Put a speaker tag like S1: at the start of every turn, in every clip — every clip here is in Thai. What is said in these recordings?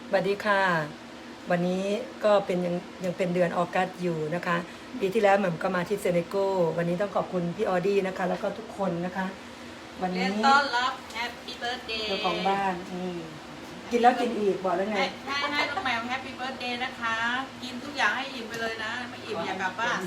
S1: สวัสดีค่ะวันนี้ก็เป็นยังเป็นเดือนออกัสอยู่นะคะปีที่แล้วแหม่มก็มาที่เซเนโกวันนี้ต้องขอบคุณพี่ออดี้นะคะแล้วก็ทุกคนนะคะวัน
S2: เรี
S1: นี้
S2: ยนต้อนรับแฮปปี้เบิร์ดเดย์
S1: เจ้าของบ้านกินแล้วกินอีกบอกแล้วไง
S2: ให้น้องแมวแฮปปี้เบิร์ดเดย์นะคะ กินทุกอย่างให้อิ่มไปเลยนะ ไม่อิ่มอย่ากลับบ้าน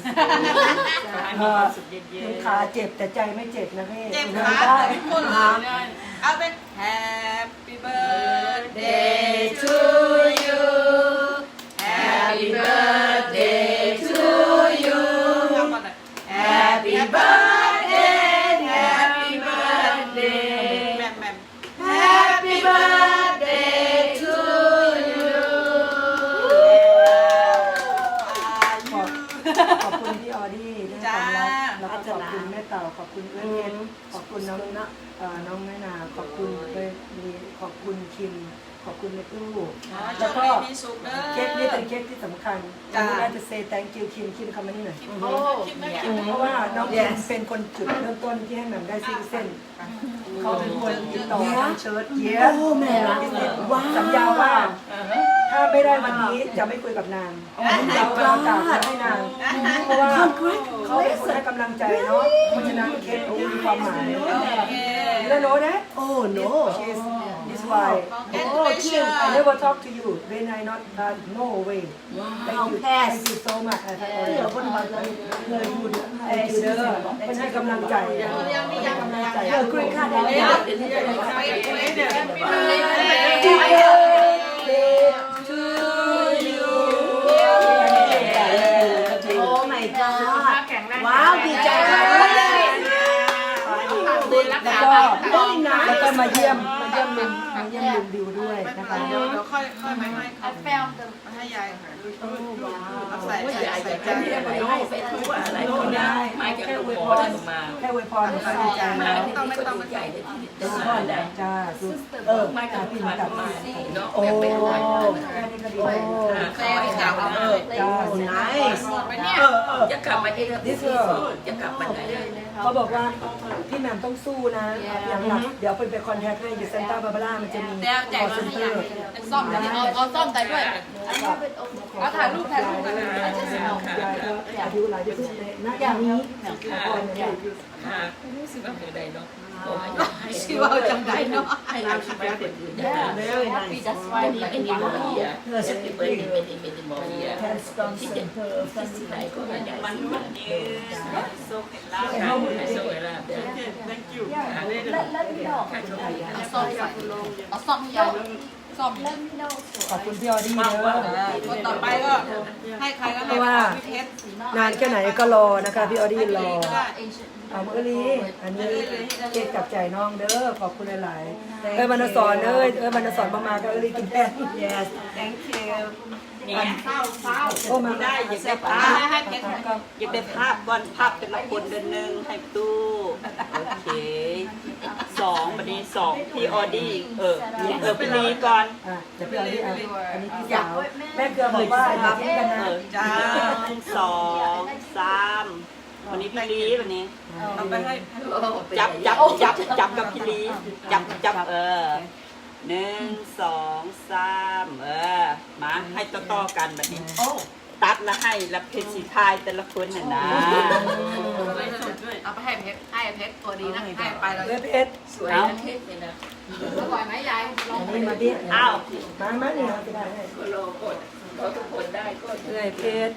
S1: ขาเจ็บแต่ใจไม่เจ็บนะพี่
S2: เจ็บ
S1: ดิ
S2: ขาน
S1: ได้
S2: ทุกคนเลยเอาเป็น Happy birthday to you Happy birthday to you Happy birthday Happy birthday แม่แม่ Happy birthday to you
S1: ขอบคุณพี่ออดี้ที่ให้ความรักแล้วก็ขอบคุณแม่เต่าขอบคุณเอื้อนขอบคุณน้องน้องแม่นาขอบคุณขอบคุณคิมขอบคุณในตู้แล้วก็เค้กนี่เป็นเค้กที่สำคัญน่าจะ say thank you คิมคำนี้หน่อยเพราะว่าน้องคิมเป็นคนจุดเริ่มต้นที่ให้แหม่มได้ซิงเส้นเขาเป็นคนติดต่อทางเชิร์ตเย้แม่รักสัญญาว่าถ้าไม่ได้วันนี้จะไม่คุยกับนางเราประกาศให้นางเพราะว่าเขาเป็นคนให้กำลังใจเนาะเพราะฉะนั้นเค้กนี้มีความหมายแล้วโน้นะ
S3: Oh no.
S1: This why
S3: Oh, Kim.
S1: I never talk to you when I not no way thank you so much เดี๋ยวคนมาเลยพูดthank you เด้อมันให้กำลังใจให้กำลังใจกรีนค่ะได้to you
S3: Oh my god. ว้าวดีใจมาก
S1: แล้วก็มาเยี่ยมลุงดิวด้วยนะคะ
S2: เดี๋ยวค่อยมาให้เขามาให้ยายใส่ใจ
S1: อะไรก็ได้แค่อวยพรแค่อวยพรก็ดีใจแล้ว
S2: ไม่ต้อง
S1: เป็นพ่อจ้าไม่กลับพี่กลับมาโอ้แค่นี้ก็ดี
S2: แค่ไม่กลับเอาเลย
S1: จ้า
S3: nice
S2: ไปเนี่ย
S4: จะกลับมาที่
S1: ดิส
S4: จะกลับมาไหน
S1: เขาบอกว่าพี่แหม่มต้องสู้นะอย่างหลักเดี๋ยวไปคอนแทคให้อยู่เซนต้าบาบาร่ามันจะมี
S2: แจก
S1: คอเซ็นเตอร์
S2: ซ่อมเอาซ่อมใจด้วยเอาถ่ายรูปกัน
S1: ยายก็อายุหลายที่สุดเลยณอย่างนี้ก่อนเนี่ย
S4: รู้สึกว่าเมื่อใดเนาะ
S2: ชื่อว่าจังไดเนาะ
S4: ให้เราคิดว่าคนอื่นได้
S3: very nice
S4: ไม่มีหมอเฮียจะเป็นไม่มีหมอเฮียที่จะที่ไหนก็ไม่ได้มันยืนโซ่เห็นลาบโซ่เห็นลาบ
S2: thank you
S4: ค่าโชคดี
S2: เอาซ่อมให้ยายซ่อม
S1: ขอบคุณพี่ออดี้เด้อ
S2: คนต่อไปก็ให้ใครก็ให้พี่เพชร
S1: นานแค่ไหนก็รอนะคะพี่ออดี้รอเอาเมื่อนี้อันนี้เก็บกับใจน้องเด้อขอบคุณหลายๆบรรณสอนบรรณสอนมาก็กินแทน
S3: yes thank you
S4: เนี่ย
S1: โอ้มาได้
S3: อยากได้ภาพอยากได้ภาพก่อนภาพเป็นละคนเดือนหนึ่งให้ตู้โอเค2วันนี้2พี่ออดี้พี่ลีก่อน
S1: จะพี่ออดี้อันนี้พี่สาวแม่เกลือบอกว่าอย่าทิ้งกันนะ
S3: จ้า2 3วันนี้พี่ลีวันนี้
S2: เอาไปให้
S3: จับกับพี่ลีจับ1 2 3มาให้ต่อกันแบบนี้ตัดแล้วให้แล้วเพชรสีทายแต่ละคนน่ะนะ
S2: เอาไปให้เพชรตัวดีนะให้ไปแล้ว
S1: เพชร
S4: สวยนะเทศเลยนะ
S2: อร่อยไหมยายลอง
S1: อันนี้มาดิ
S3: อ้าว
S1: มาเนี่ยจะได้ให้
S4: ก็โลกดเขาทุกคนได้ก็
S1: เพชร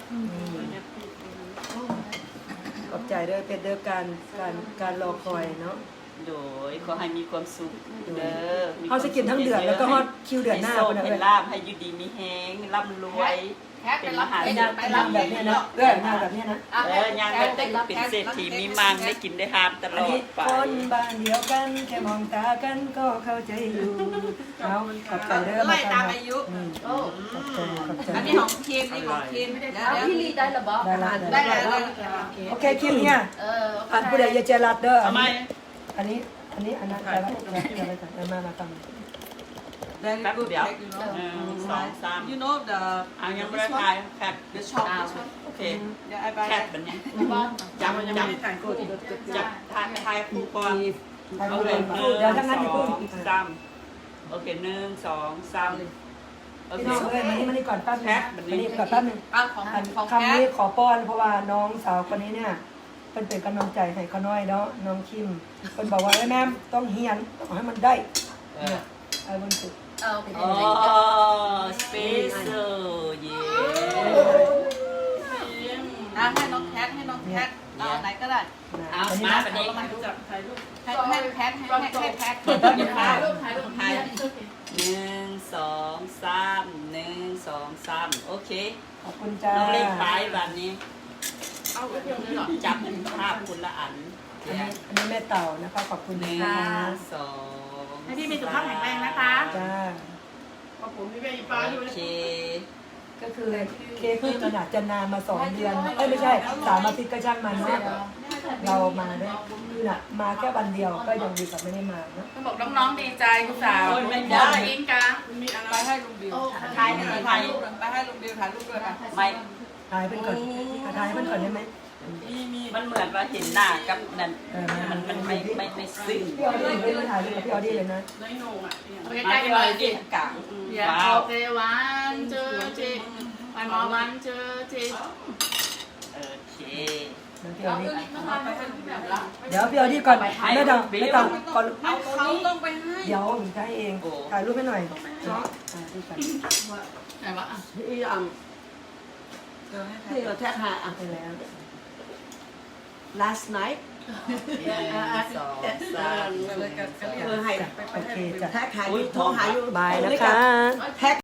S1: ขอบใจด้วยเพชรเด้อการรอคอยเนาะ
S3: โดยขอให้มีความสุขเด้อ
S1: เขาจะกินทั้งเดือนแล้วก็ฮอดคิวเดือนหน้า
S3: ให้
S1: คน
S3: โช
S1: นั้
S3: คน ให้
S1: เลย
S3: ลาบให้อยู่ดีมีแฮงร่ำรวย เป็นมหาเศรษ
S1: ไป
S3: ฐี
S1: รับแบบนี้นะเรื่องงานแบบนี้นะ
S3: ย่างก็ได้เป็นเศรษฐีมีมังได้กินได้หามตล
S1: อัน
S3: อ
S1: นี้
S3: ดไป
S1: คนบ้านเดียวกันแค่มองตากันก็เข้าใจอยู่เอาขอบใจเด้อ
S2: ไล่ตามอายุ
S1: ขอบใจ
S2: อันนี้ของทีมนี่ของทีมเดี๋ยว
S5: พี่ลีได้หรอบอก
S1: ได้ละ
S2: ได้แล้ว
S1: โอเคคิมเนี่ย อันผู้ใดอย่าเจรัดเด้อ
S3: ทำไม
S1: อันนั้นไปละมาทำ
S2: very good
S3: เดี๋ยว
S2: you know
S3: 1 2 3
S2: you know the
S3: เอายังไม่ได้ทายแคป
S2: the shop
S3: โอเค
S2: yeah I
S3: แค
S2: buy
S3: ปแบบนี้จับทายคู่ก่อน โอเค
S1: เดี๋ยวทั้งนั้นอย่าเพิ่ง
S3: 3โอเค1 2 3
S1: พี่น้องเอ้ยมานี่ก่อนแป๊บนึงมานี่ก่อนแป๊บนึง
S2: ของ
S1: อัน
S2: ของ
S1: คำนี้ขอป้อนเพราะว่าน้องสาวคนนี้เนี่ยเป็นกำลังใจให้เขาน้อยเนาะน้องคิมเป็นบอกว่าแม่ต้องเฮียนต้องให้มันได้เนี่ยไอ้บนสุด
S2: โอเค
S3: อ๋อสเปเชียลเย้
S2: ให้น้องแคทเอาไหนก็ได้
S3: เอามาบัดนี้
S2: ให้แคทให้แคท
S3: อย่าพลาดถ่าย1 2 3 1 2 3โอเค
S1: ขอบคุณจ้า
S3: น้องเล็กไปแบบนี้จับภาพคุณละอัน
S1: อันนี้แม่เต่านะคะขอบคุณ
S3: 1
S1: นะคะ
S3: 2
S2: ให้พี่มีสุขภาพแข็งแรงนะคะ
S1: จ้า
S2: ผมมีแม่อีป้าอยู่
S3: โอเค
S1: ก็คือเค้กที่ขนาดจะนานมา2 เดือนไม่ใช่3 อาทิตย์ก็ช่างมันเนาะเรามาได้คือน่ะมาแค่วันเดียวก็ยังดีกว่าไม่ได้มาเนาะ
S2: ต้องบอกน้องๆดีใจคุณสาวอินกันมีอะไรไปให้ลุงบิวถ่ายรูปไปให้ลุงบิวถ่ายรูปด้วยค่ะ
S3: ไม่
S1: ถ่ายเป็นก่อนถ่ายเป็นก่อนได้ไหม
S3: มันเหมือนว่าเห็นหน้ากับนั่นมันไม่ซึ้ง
S1: พี่ออดี้ไม่ถ่ายรูปกับพี่ออดี้เลยนะ
S2: โอเคใกล้กันหน่อยสิ
S3: กลาง
S2: ว้าวโอเควันเจอจีไปมอวันเจอจี
S3: โอเค
S1: พี่ออดี้
S2: ไปให้ลุงบิวละ
S1: เดี๋ยวพี่ออดี้ก่อนไม่ต้องก่อน
S2: เขาต้องไปให้
S1: เดี๋ยวผมใช้เองถ่ายรูปให้หน่อยเนาะดูกัน
S2: ไหนวะ
S4: ที่อังที่เราแท็กหาอ่ะ
S1: ไปแล้ว
S4: last night
S3: 1 2 3
S2: เลยกัน
S4: ให้
S1: โอเคจ้ะ
S4: แท็กหาอยู่โทรหาอยู่
S1: บายนะคะ
S4: แท็ก